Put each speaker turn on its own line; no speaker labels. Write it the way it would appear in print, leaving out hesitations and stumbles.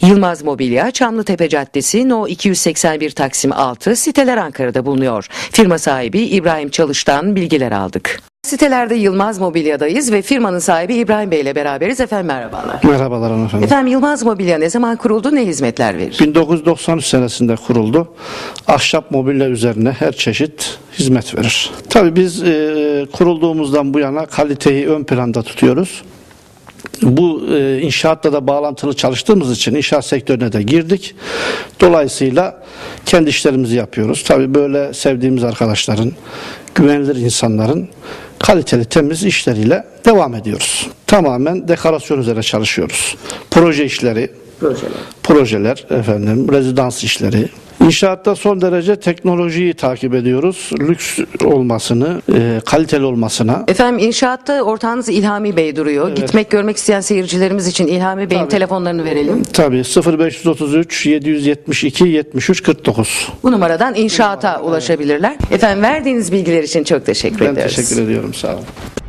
Yılmaz Mobilya, Çamlıtepe Caddesi, No 281 Taksim 6, Siteler Ankara'da bulunuyor. Firma sahibi İbrahim Çalış'tan bilgiler aldık. Sitelerde Yılmaz Mobilya'dayız ve firmanın sahibi İbrahim Bey ile beraberiz. Efendim merhabalar.
Merhabalar hanımefendi.
Efendim Yılmaz Mobilya ne zaman kuruldu, ne hizmetler verir?
1993 senesinde kuruldu. Ahşap mobilya üzerine her çeşit hizmet verir. Tabii biz kurulduğumuzdan bu yana kaliteyi ön planda tutuyoruz. Bu inşaatla da bağlantılı çalıştığımız için inşaat sektörüne de girdik. Dolayısıyla kendi işlerimizi yapıyoruz. Tabii böyle sevdiğimiz arkadaşların, güvenilir insanların kaliteli temiz işleriyle devam ediyoruz. Tamamen dekorasyon üzerine çalışıyoruz. Proje işleri, projeler, rezidans işleri. İnşaatta son derece teknolojiyi takip ediyoruz. Lüks olmasını, kaliteli olmasına.
Efendim inşaatta ortağınız İlhami Bey duruyor.
Evet.
Gitmek görmek isteyen seyircilerimiz için İlhami Bey'in telefonlarını verelim.
Tabii 0533 772 73 49.
Bu numaradan inşaata ulaşabilirler. Efendim verdiğiniz bilgiler için çok teşekkür
Ben
ediyoruz.
teşekkür ediyorum. Sağ olun.